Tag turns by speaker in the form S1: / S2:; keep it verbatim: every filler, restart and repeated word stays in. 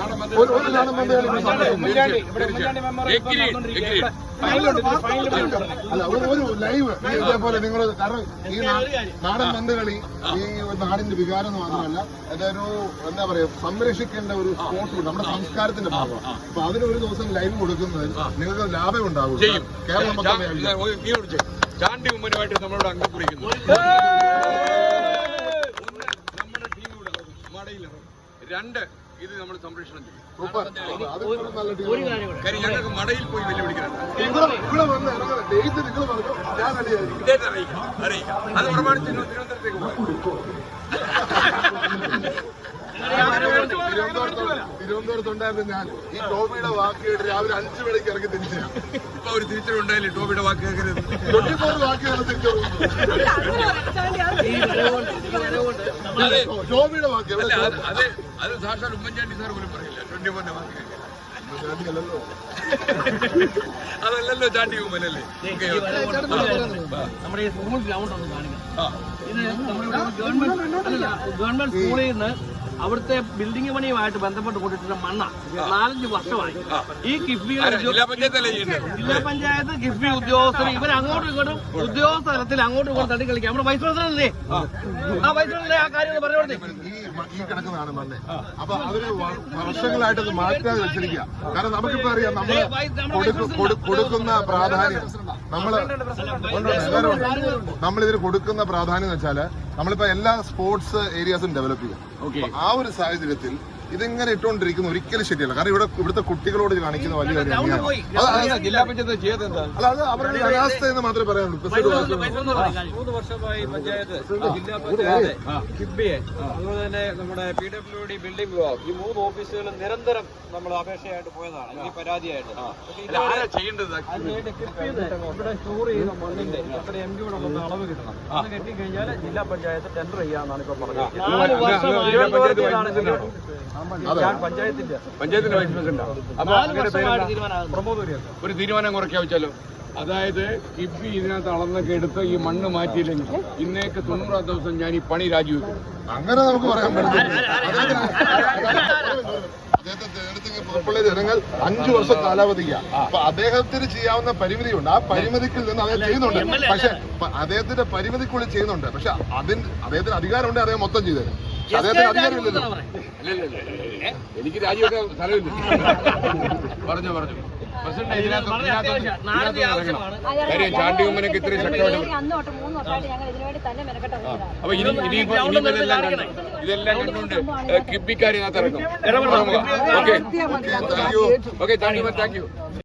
S1: ഒരു നാടൻ പന്ത് കളി അല്ല ഒരു ലൈവ് ഇതേപോലെ നിങ്ങൾ കാരണം ഈ നാടൻ പന്ത് കളി ഈ നാടിന്റെ വികാരം മാത്രമല്ല അതൊരു എന്താ പറയാ സംരക്ഷിക്കേണ്ട ഒരു സ്പോർട്സ് നമ്മുടെ സംസ്കാരത്തിന്റെ ഭാഗമാണ്. അപ്പൊ അതിനൊരു ദിവസം ലൈവ് കൊടുക്കുന്നതിൽ നിങ്ങൾക്ക് ലാഭം ഉണ്ടാവും. കേരളം
S2: ചാണ്ടി ഉമ്മനുമായിട്ട് നമ്മളോട് അംഗം കുറിക്കുന്നു. നമ്മുടെ ടീമിലൂടെ മടയിലിറങ്ങും. രണ്ട് ഇത് നമ്മൾ സംരക്ഷണം ചെയ്യും. കാര്യം ഞങ്ങൾക്ക് മടയിൽ പോയി വെല്ലുവിളിക്കണം. അറിയിക്കാം അറിയിക്കാം അത് പ്രമാണിച്ച് തിരുവനന്തപുരത്തേക്ക് പോകാം.
S1: തിരുവനന്തപുരത്തുണ്ടായിരുന്നു ഞാൻ. ഈ ടോബിയുടെ വാക്ക് കേട്ട് രാവിലെ അഞ്ചു മണിക്ക് ഇറങ്ങി തിരിച്ചാണ്.
S2: ഇപ്പൊ ഒരു തിരിച്ചറിവുണ്ടായില്ലേ ടോബിയുടെ വാക്ക് കേൾക്കരുത്.
S1: ട്വന്റി ഫോർ വാക്കാണ് തിരിച്ചറിവ്. ടോബിയുടെ വാക്ക്
S2: അത് അത് സാക്ഷാൽ ഉമ്മൻചാണ്ടി സാർ പോലും പറയില്ല. ട്വന്റി ഫോറിന്റെ വാക്ക് കേൾക്കാൻ അതല്ലല്ലോ ചാണ്ടി ഉമ്മനല്ലേ.
S3: നമ്മുടെ ഈ സ്കൂൾ ഗ്രൗണ്ട് ഒന്ന് കാണിക്കണം. ഇത് നമ്മുടെ ഗവൺമെന്റ് ഗവൺമെന്റ് സ്കൂളിൽ നിന്ന് അവിടുത്തെ ബിൽഡിംഗ് പണിയുമായിട്ട് ബന്ധപ്പെട്ട് കൊടുത്തിട്ടുള്ള മണ്ണ നാലഞ്ച് വർഷമായി. ഈ കിഫ്ബി ജില്ലാ പഞ്ചായത്ത് കിഫ്ബി ഉദ്യോഗസ്ഥർ ഇവർ അങ്ങോട്ടും ഇങ്ങോട്ടും ഉദ്യോഗസ്ഥ തലത്തിൽ അങ്ങോട്ടും ഇങ്ങോട്ടും തട്ടി കളിക്കാം. നമ്മുടെ വൈസ് പ്രസിഡന്റ് ആ വൈസ് പ്രസിഡന്റ് ആ കാര്യം പറഞ്ഞു.
S1: ഈ കിടക്കുന്നതാണ് മണ്ണ്. അപ്പൊ അവര് വർഷങ്ങളായിട്ട് അത് മാറ്റാതെ വെച്ചിരിക്കുക. കാരണം നമുക്കിപ്പോ അറിയാം നമ്മൾ കൊടുക്കുന്ന പ്രാധാന്യം നമ്മള് നമ്മളിതിന് കൊടുക്കുന്ന പ്രാധാന്യം എന്ന് വെച്ചാല് നമ്മളിപ്പോ എല്ലാ സ്പോർട്സ് ഏരിയാസും ഡെവലപ്പ് ചെയ്യും. ആ ഒരു സാഹചര്യത്തിൽ ഇതിങ്ങനെ ഇട്ടുകൊണ്ടിരിക്കുന്ന ഒരിക്കലും ശരിയല്ല. കാരണം ഇവിടെ ഇവിടുത്തെ കുട്ടികളോട് കാണിക്കുന്ന വലിയ
S2: ജില്ലാ പഞ്ചായത്ത് ചെയ്തത്
S1: അല്ല അത് അവരുടെ അനാസ്ഥ എന്ന് മാത്രമേ പറയാനുള്ളൂ.
S4: മൂന്ന് വർഷമായി പഞ്ചായത്ത് ജില്ലാ പഞ്ചായത്ത് കിഫ്ബിയെ അതുപോലെ തന്നെ നമ്മുടെ പി ഡബ്ല്യു ഡി ബിൽഡിംഗ് വിഭാഗം ഈ മൂന്ന് ഓഫീസുകളും നിരന്തരം നമ്മൾ അപേക്ഷയായിട്ട് പോയതാണ് ഈ പരാതിയായിട്ട്. ഇവിടെ സ്റ്റോർ ചെയ്യുന്ന മണ്ണിന്റെ എത്ര എം ജി വന്ന അളവ് കിട്ടണം. അത് കെട്ടിക്കഴിഞ്ഞാൽ ജില്ലാ പഞ്ചായത്ത് ടെൻഡർ ചെയ്യാന്നാണ് ഇപ്പൊ പറഞ്ഞത്. പഞ്ചായത്തിന്റെ പഞ്ചായത്തിന്റെ വൈസ് പ്രസിഡന്റ്
S2: ഒരു തീരുമാനം കുറയ്ക്കാൻ വെച്ചാലോ. അതായത് കിഫ്ബി ഇതിനകത്ത് അളന്നൊക്കെ എടുത്ത് ഈ മണ്ണ് മാറ്റിയില്ലെങ്കിൽ ഇന്നേക്ക് തൊണ്ണൂറാം ദിവസം ഞാൻ ഈ പണി രാജിവെക്കും.
S1: അങ്ങനെ നമുക്ക് പറയാൻ പറ്റില്ല. അദ്ദേഹത്തെ തെരഞ്ഞെടുത്ത് പുറപ്പുള്ള ജനങ്ങൾ അഞ്ചു വർഷം കാലാവധിക്കാണ്. അപ്പൊ അദ്ദേഹത്തിന് ചെയ്യാവുന്ന പരിമിതിയുണ്ട്. ആ പരിമിതിക്കിൽ നിന്ന് അദ്ദേഹം ചെയ്യുന്നുണ്ട്. പക്ഷെ അദ്ദേഹത്തിന്റെ പരിമിതിക്കുള്ളിൽ ചെയ്യുന്നുണ്ട്. പക്ഷെ അതിന് അദ്ദേഹത്തിന് അധികാരമുണ്ട്. അദ്ദേഹം മൊത്തം ചെയ്തത് അദ്ദേഹത്തിന് അധികാരമില്ലല്ലോ.
S2: എനിക്ക് രാജിവെക്കാൻ സ്ഥലമില്ല. പറഞ്ഞു പറഞ്ഞു പ്രസിഡന്റ് ഇതിനകത്ത് കാര്യം ചാണ്ടി ഉമ്മനൊക്കെ ഇത്രയും ശക്തമായിട്ട്. അപ്പൊ ഇനി ഇനിയിപ്പോ ഇനിയിപ്പോ ഇതെല്ലാം കണ്ടു ഇതെല്ലാം കണ്ടുകൊണ്ട് കിബിക്കാർ ഇതിനകത്ത് ഇറങ്ങും. Okay okay thank you thank U